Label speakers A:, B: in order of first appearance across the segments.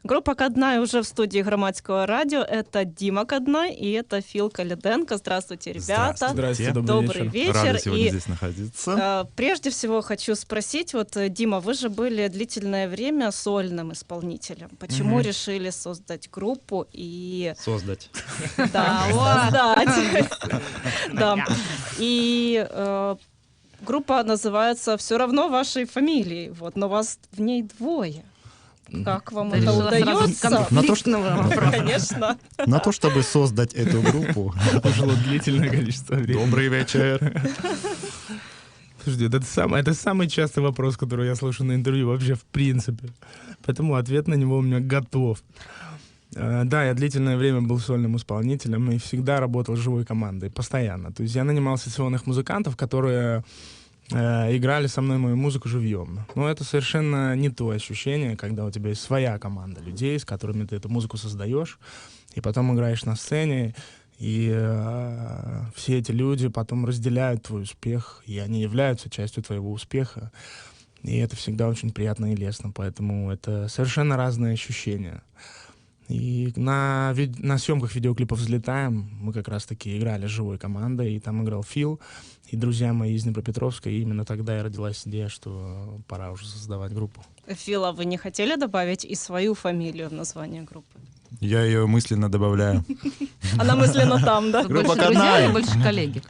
A: Группа «Каднай» уже в студии Громадского радио. Это Дима Каднай и это Фил Калиденко. Здравствуйте, ребята.
B: Здравствуйте,
A: добрый вечер.
C: Рады сегодня здесь находиться.
A: Прежде всего хочу спросить, вот, Дима, вы же были длительное время сольным исполнителем. Почему решили создать группу и...
B: Создать.
A: Да, создать. Да. И группа называется «Все равно вашей фамилией», вот, но вас в ней двое. Как вам это удается? Конечно.
C: На то, чтобы создать эту группу,
B: Ушло длительное количество времени.
C: добрый вечер.
B: Слушайте, это самый частый вопрос, который я слышу на интервью вообще в принципе. Поэтому ответ на него у меня готов. Да, я длительное время был сольным исполнителем и всегда работал с живой командой, постоянно. То есть я нанимал сессионных музыкантов, которые играли со мной мою музыку живьем. Но это совершенно не то ощущение, когда у тебя есть своя команда людей, с которыми ты эту музыку создаешь, и потом играешь на сцене, и все эти люди потом разделяют твой успех, и они являются частью твоего успеха. И это всегда очень приятно и лестно, поэтому это совершенно разные ощущения. И на съемках видеоклипов «Взлетаем» мы как раз-таки играли с живой командой, и там играл Фил, и друзья мои из Днепропетровска, и именно тогда и родилась идея, что пора уже создавать группу.
A: Фила, вы не хотели добавить и свою фамилию в название группы?
C: Я ее мысленно добавляю.
A: Она мысленно там, да?
C: Группа
D: Больше друзья
C: «Каднай».
D: или больше коллеги?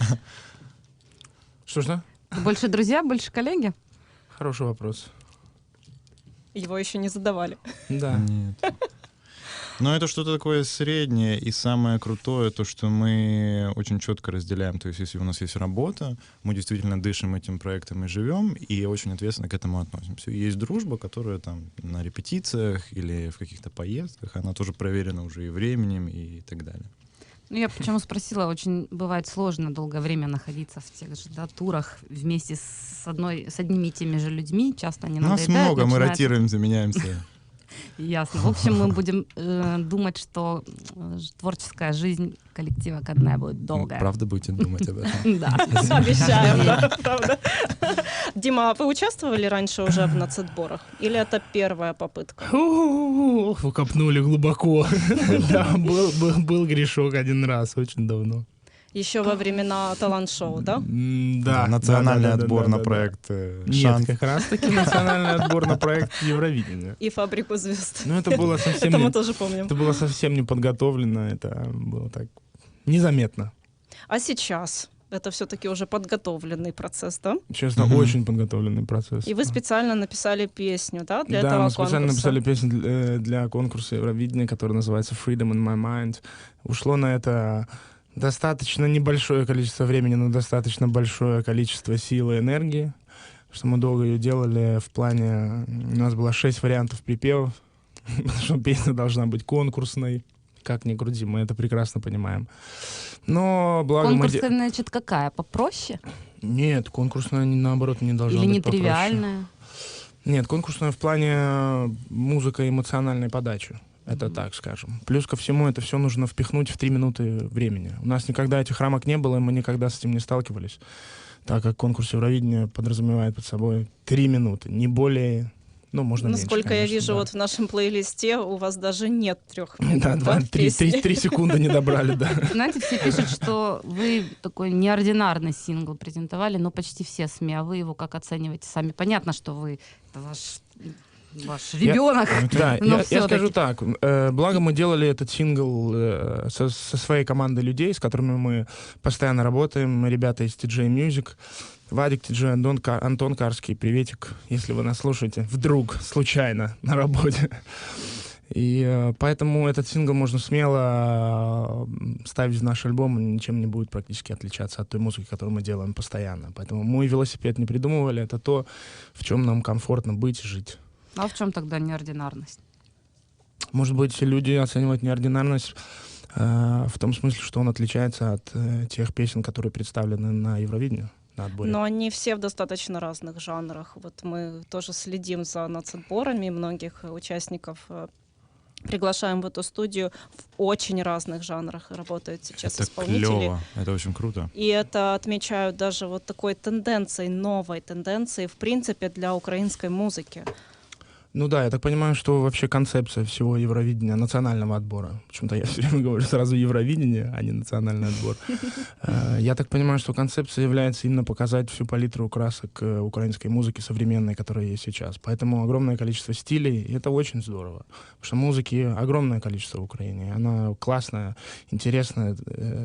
B: Что?
D: Больше друзья, больше коллеги?
B: Хороший вопрос.
A: Его еще не задавали.
B: Да.
C: Нет. Но это что-то такое среднее, и самое крутое, то, что мы очень четко разделяем. То есть если у нас есть работа, мы действительно дышим этим проектом и живем, и очень ответственно к этому относимся. И есть дружба, которая там на репетициях или в каких-то поездках, она тоже проверена уже и временем, и так далее.
D: Ну, я почему спросила, очень бывает сложно долгое время находиться в тех же турах вместе с одними и теми же людьми, часто они
C: Нас
D: надоедают.
C: много, мы
D: начинается-
C: ротируемся, меняемся.
D: Ясно. В общем, мы будем думать, что творческая жизнь коллектива «Каднай» будет долгая.
C: Правда будете думать об этом?
D: Да.
A: Обещаем, да, правда. Дима, а вы участвовали раньше уже в нацотборах? Или это первая попытка?
B: Вы копнули глубоко. Да, был грешок один раз, очень давно.
A: Еще во времена талант-шоу, да?
B: Да.
C: Национальный отбор на
B: да.
C: проект
B: Нет,
C: «Шанс».
B: как раз-таки национальный отбор на проект Евровидения.
A: И «Фабрику звезд».
B: Ну, это было совсем
A: Это мы
B: не-
A: тоже помним.
B: это было совсем не подготовлено, это было так незаметно.
A: А сейчас? Это все-таки уже подготовленный процесс, да?
B: Честно, очень подготовленный процесс.
A: И вы специально написали песню, да, для
B: Да,
A: этого
B: мы специально
A: конкурса?
B: написали песню для конкурса Евровидения, который называется «Freedom in my mind». Ушло на это достаточно небольшое количество времени, но достаточно большое количество силы и энергии, что мы долго ее делали в плане... У нас было 6 вариантов припевов, потому что песня должна быть конкурсной. Как ни крути, мы это прекрасно понимаем. Но благо мы...
D: Конкурсная, значит, какая? Попроще?
B: Нет, конкурсная, наоборот, не должна
D: Или
B: быть попроще.
D: нетривиальная?
B: Нет, конкурсная в плане музыка и эмоциональной подачи. Это так скажем. Плюс ко всему это все нужно впихнуть в 3 минуты времени. У нас никогда этих рамок не было, и мы никогда с этим не сталкивались, так как конкурс Евровидения подразумевает под собой 3 минуты, не более, ну, можно меньше,
A: Насколько я
B: конечно,
A: вижу,
B: да.
A: вот в нашем плейлисте у вас даже нет 3 минут.
B: Да,
A: песни.
B: 3 секунды не добрали, да.
D: Знаете, все пишут, что вы такой неординарный сингл презентовали, но почти все СМИ, а вы его как оцениваете сами? Понятно, что вы, это ваш ребенок.
B: Да,
D: но
B: я
D: всё-таки.
B: скажу так. Благо мы делали этот сингл со своей командой людей, с которыми мы постоянно работаем. Ребята из TJ Music. Вадик, TJ, Антон Карский, приветик, если вы нас слушаете, вдруг, случайно, на работе. И поэтому этот сингл можно смело ставить в наш альбом, и ничем не будет практически отличаться от той музыки, которую мы делаем постоянно. Поэтому мы велосипед не придумывали, это то, в чем нам комфортно быть и жить.
D: А в чем тогда неординарность?
B: Может быть, люди оценивают неординарность в том смысле, что он отличается от тех песен, которые представлены на Евровидении, на отборе.
A: Но они все в достаточно разных жанрах. Вот мы тоже следим за нацотборами, многих участников приглашаем в эту студию в очень разных жанрах работают сейчас
C: Это
A: исполнители.
C: клево, это очень круто.
A: И это отмечают даже вот такой тенденцией, новой тенденцией, в принципе, для украинской музыки.
B: Ну да, я так понимаю, что вообще концепция всего Евровидения, национального отбора, почему-то я все время говорю сразу Евровидение, а не национальный отбор. Я так понимаю, что концепция является именно показать всю палитру красок украинской музыки современной, которая есть сейчас. Поэтому огромное количество стилей, и это очень здорово. Потому что музыки огромное количество в Украине. Она классная, интересная.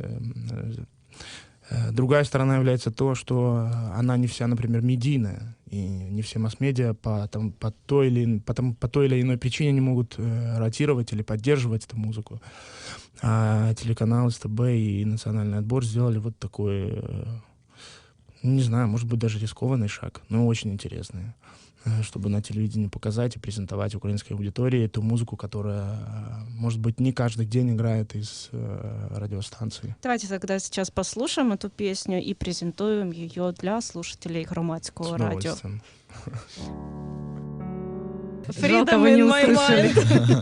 B: Другая сторона является то, что она не вся, например, медийная, и не все масс-медиа по той или иной причине не могут ротировать или поддерживать эту музыку. А телеканал СТБ и национальный отбор сделали вот такой, не знаю, может быть, даже рискованный шаг, но очень интересный, чтобы на телевидении показать и презентовать украинской аудитории ту музыку, которая, может быть, не каждый день играет из радиостанции.
A: Давайте тогда сейчас послушаем эту песню и презентуем ее для слушателей Громадского радио.
D: Жалко, вы не услышали.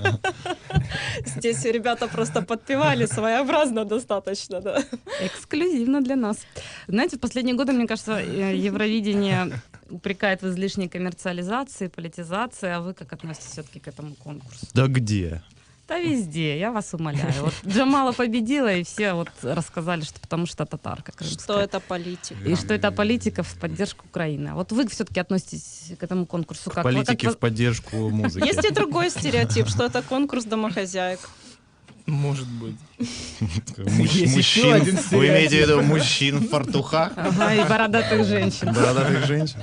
A: Здесь ребята просто подпевали своеобразно достаточно, да.
D: Эксклюзивно для нас. Знаете, в последние годы, мне кажется, Евровидение упрекает в излишней коммерциализации, политизации, а вы как относитесь все-таки к этому конкурсу?
C: Да где?
D: Да везде, я вас умоляю. Вот Джамала победила, и все вот рассказали, что потому что татарка крымская.
A: Что это политика.
D: И что это политика в поддержку Украины. А вот вы все-таки относитесь к этому конкурсу как?
C: Политики в поддержку музыки.
A: Есть и другой стереотип, что это конкурс домохозяек.
B: Может быть.
C: Мужчин,
B: еще один
C: вы имеете в виду мужчин в фартухах?
D: Ага, и бородатых женщин.
C: Бородатых женщин?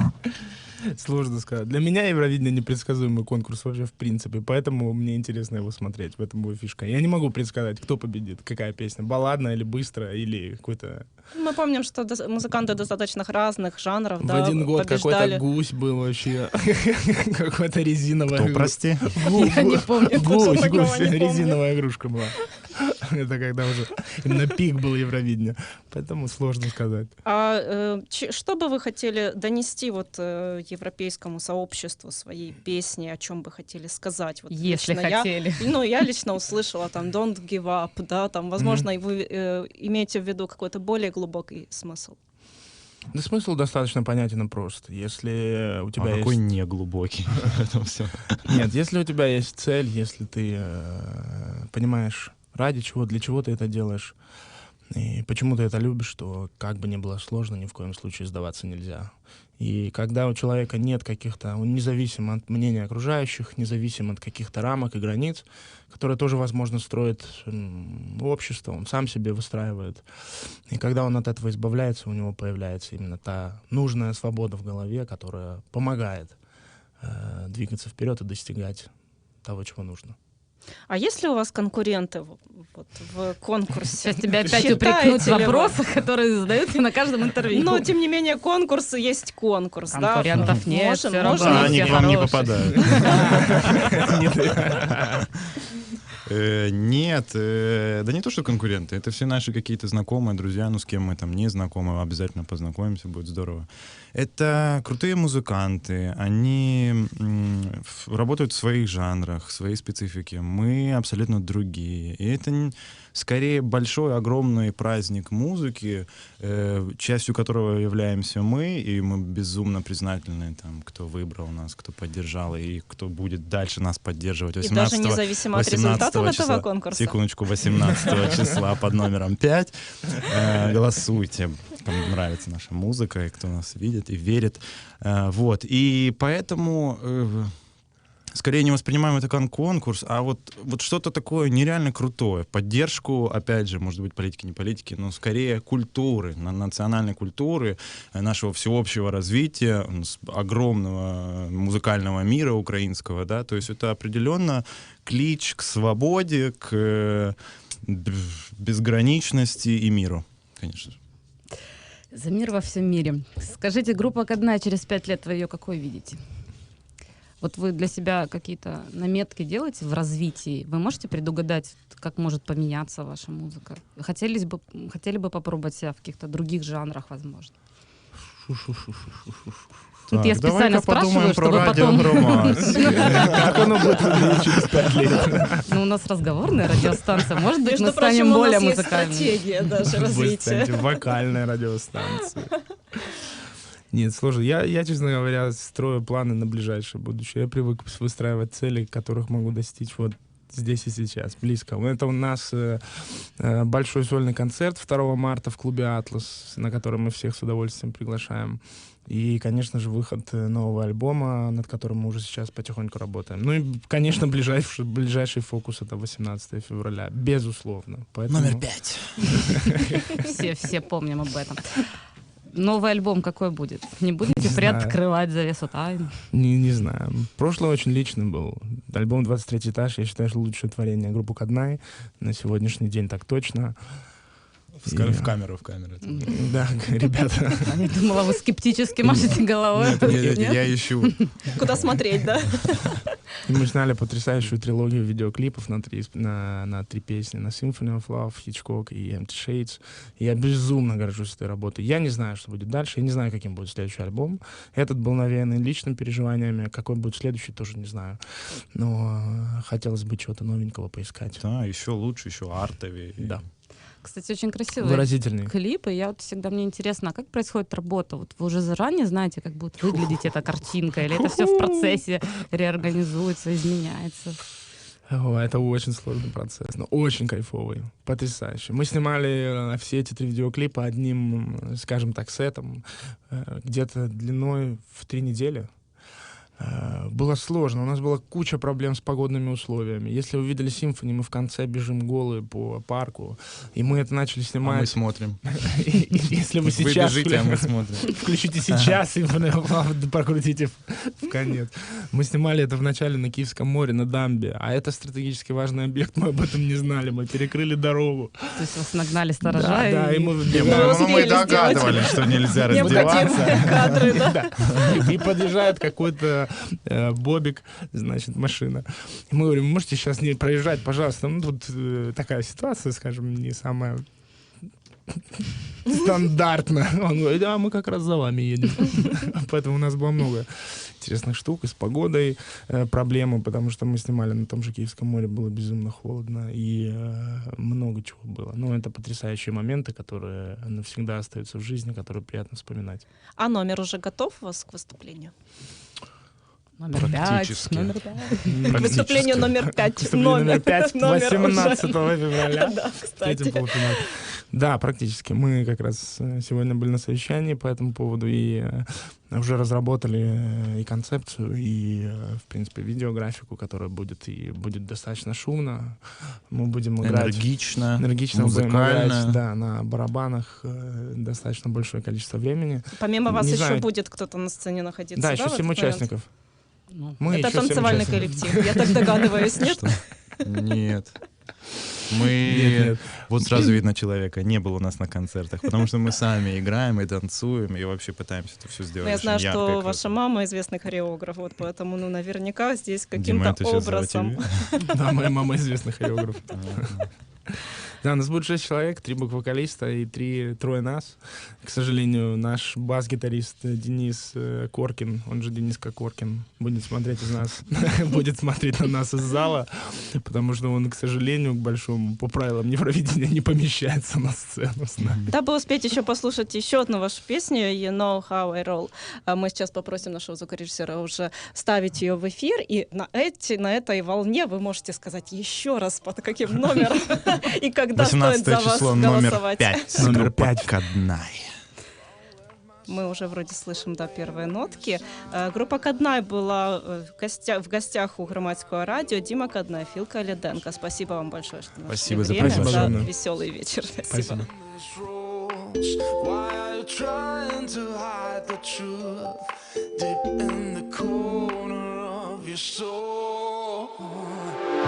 B: Сложно сказать. Для меня Евровидение непредсказуемый конкурс вообще в принципе, поэтому мне интересно его смотреть, в этом его фишка. Я не могу предсказать, кто победит, какая песня, балладная или быстрая, или какой-то...
A: Мы помним, что музыканты достаточно разных жанров,
B: В
A: да,
B: один год
A: побеждали.
B: какой-то гусь был вообще, какой-то резиновая...
C: Кто, прости?
D: Я не помню,
A: что такого
B: Гусь,
A: не помню.
B: резиновая игрушка была. Это когда уже именно пик был Евровидения, поэтому сложно сказать.
A: Что бы вы хотели донести вот европейскому сообществу своей песни, о чем бы хотели сказать? Вот
D: Если
A: лично
D: хотели.
A: Я лично услышала там «Don't give up», да, там, возможно, вы имеете в виду какой-то более глубокий смысл.
B: Да смысл достаточно понятен и прост. Если у тебя
C: Какой
B: есть...
C: неглубокий в этом всем.
B: Нет, если у тебя есть цель, если ты понимаешь, ради чего, для чего ты это делаешь, и почему ты это любишь, то как бы ни было сложно, ни в коем случае сдаваться нельзя. И когда у человека нет каких-то, он независим от мнения окружающих, независим от каких-то рамок и границ, которые тоже, возможно, строит общество, он сам себе выстраивает. И когда он от этого избавляется, у него появляется именно та нужная свобода в голове, которая помогает двигаться вперед и достигать того, чего нужно.
A: А есть ли у вас конкуренты в конкурсе?
D: Сейчас тебя опять
A: Считаете
D: упрекнут в
A: ли вы?
D: вопросах, которые задаются на каждом интервью.
A: Но, тем не менее, конкурс есть конкурс.
D: Конкурентов
A: да?
D: нет,
A: Можем-
D: всё
A: можем-
D: равно.
C: А они
D: все
C: к вам не
D: хорошие.
C: попадают. Нет, да не то, что конкуренты, это все наши какие-то знакомые, друзья, ну с кем мы там не знакомы, обязательно познакомимся, будет здорово. Это крутые музыканты, они работают в своих жанрах, в своей специфике, мы абсолютно другие. И это скорее большой, огромный праздник музыки, частью которого являемся мы, и мы безумно признательны, там, кто выбрал нас, кто поддержал, и кто будет дальше нас поддерживать.
A: И даже независимо от результатов этого конкурса.
C: Секундочку, 18 числа под номером 5. Голосуйте, кому нравится наша музыка, и кто нас видит и верит. Вот. И поэтому скорее не воспринимаем это как конкурс, а вот что-то такое нереально крутое. Поддержку, опять же, может быть, политики, не политики, но скорее культуры, национальной культуры, нашего всеобщего развития, огромного музыкального мира украинского, да, то есть это определенно клич к свободе, к безграничности и миру, конечно же.
D: За мир во всем мире. Скажите, группа «Кадна» через 5 лет, вы ее какой видите? Вот вы для себя какие-то наметки делаете в развитии? Вы можете предугадать, как может поменяться ваша музыка? Хотели бы попробовать себя в каких-то других жанрах, возможно? Тут я специально спрашиваю, чтобы потом...
B: Как оно будет выглядеть через 5 лет?
D: Ну, у нас разговорная радиостанция. Может быть,
A: Между
D: мы
A: прочим,
D: станем
A: у
D: более
A: нас есть
D: музыкальными.
A: стратегия даже
B: Вы
A: развития.
B: станете вокальной радиостанцией. Нет, сложно. Я, честно говоря, строю планы на ближайшее будущее. Я привык выстраивать цели, которых могу достичь вот здесь и сейчас, близко. Это у нас большой сольный концерт 2 марта в клубе «Атлас», на который мы всех с удовольствием приглашаем. И, конечно же, выход нового альбома, над которым мы уже сейчас потихоньку работаем. Ну и, конечно, ближайший фокус — это 18 февраля, безусловно. Поэтому...
C: Номер 5.
D: Все помним об этом. Новый альбом какой будет? Не будете приоткрывать завесу тайн?
B: Не знаю. Прошлый очень личный был. Альбом «23 этаж», я считаю, что лучшее творение группы «Каднай». На сегодняшний день так точно.
C: В камеру.
B: Да, ребята.
D: Я думала, вы скептически машете головой.
C: Нет, я ищу.
A: Куда смотреть, да?
B: И мы сняли потрясающую трилогию видеоклипов на 3 песни. На Symphony of Love, Hitchcock и Empty Shades. И я безумно горжусь этой работой. Я не знаю, что будет дальше. Я не знаю, каким будет следующий альбом. Этот был навеян личными переживаниями. Какой будет следующий, тоже не знаю. Но хотелось бы чего-то новенького поискать.
C: Да, еще лучше, еще артовее.
B: Да.
D: Кстати, очень красивые
B: Выразительный.
D: клипы. Я вот всегда, мне интересно, а как происходит работа? Вот вы уже заранее знаете, как будет выглядеть эта картинка? Или это все в процессе реорганизуется, изменяется?
B: Это очень сложный процесс, но очень кайфовый, потрясающий. Мы снимали все эти 3 видеоклипа одним, скажем так, сетом, где-то длиной в 3 недели. Было сложно, у нас была куча проблем с погодными условиями. Если вы видели «Симфони», мы в конце бежим голые по парку, и мы это начали снимать.
C: А мы смотрим.
B: Если вы сейчас...
C: Вы бежите, а мы смотрим.
B: Включите сейчас «Симфони», прокрутите в конец. Мы снимали это вначале на Киевском море, на дамбе, а это стратегически важный объект, мы об этом не знали, мы перекрыли дорогу.
D: То есть вас нагнали сторожа?
B: Да, и мы
C: Мы догадывались, что нельзя раздеваться.
A: Необходимые кадры, да?
B: И подъезжает какой-то бобик, значит, машина. И мы говорим, можете сейчас не проезжать, пожалуйста. Ну, тут такая ситуация, скажем, не самая стандартная. Он говорит, а мы как раз за вами едем. Поэтому у нас было много интересных штук. И с погодой проблемы, потому что мы снимали на том же Киевском море, было безумно холодно. И много чего было. Но это потрясающие моменты, которые навсегда остаются в жизни, которые приятно вспоминать.
A: А номер уже готов у вас к выступлению?
D: Номер 5.
C: Практически.
D: Номер 5.
A: К выступлению номер 5.
B: Выступление номер 5
A: номер
B: 18
A: уже.
B: февраля.
A: Да, кстати.
B: Полуфинал. Да, практически. Мы как раз сегодня были на совещании по этому поводу и уже разработали и концепцию, и, в принципе, видеографику, которая будет достаточно шумно. Мы будем играть
C: Энергично,
B: будем
C: музыкально.
B: играть, да, на барабанах достаточно большое количество времени.
A: Помимо вас
B: Не
A: еще
B: знаю.
A: будет кто-то на сцене находиться,
B: Да,
A: да,
B: еще
A: в этот
B: 7
A: момент?
B: участников.
D: Ну,
B: Мы
A: Это
B: еще 7
A: танцевальный
B: участников.
A: коллектив, я так догадываюсь, нет?
C: Что? Нет. Мы...
B: Нет.
C: Вот сразу видно человека, не было у нас на концертах, потому что мы сами играем и танцуем, и вообще пытаемся это все сделать
A: Ну, я
C: очень
A: знаю,
C: ярко и
A: что
C: круто.
A: ваша мама известный хореограф, вот поэтому, ну, наверняка здесь
C: Дима,
A: каким-то
C: это сейчас за
A: образом.
C: тебя.
B: Да, моя мама известный хореограф.
C: Ага.
B: Да, у нас будет 6 человек, 3 бэк-вокалиста и трое нас. К сожалению, наш бас-гитарист Денис Коркин, он же Дениска Коркин, будет смотреть на нас из зала, потому что он, к сожалению, к большому, по правилам Евровидения не помещается на сцену с нами.
A: Дабы успеть еще послушать еще одну вашу песню «You Know How I Roll», мы сейчас попросим нашего звукорежиссера уже ставить ее в эфир, и на этой волне вы можете сказать еще раз, под каким номером и когда стоит
C: 18
A: за вас
C: число, номер
A: голосовать.
C: 5.
B: Номер
C: Группа
B: 5.
C: Каднай.
A: Мы уже вроде слышим, да, первые нотки. Группа Каднай была в гостях у Громадского радио. Дима Каднай, Фил Калиденко. Спасибо вам большое, что нашли
C: Спасибо за
A: время,
B: приглашение.
A: за веселый вечер.
B: Спасибо.
E: Why are you trying to hide the truth deep in the corner of your soul?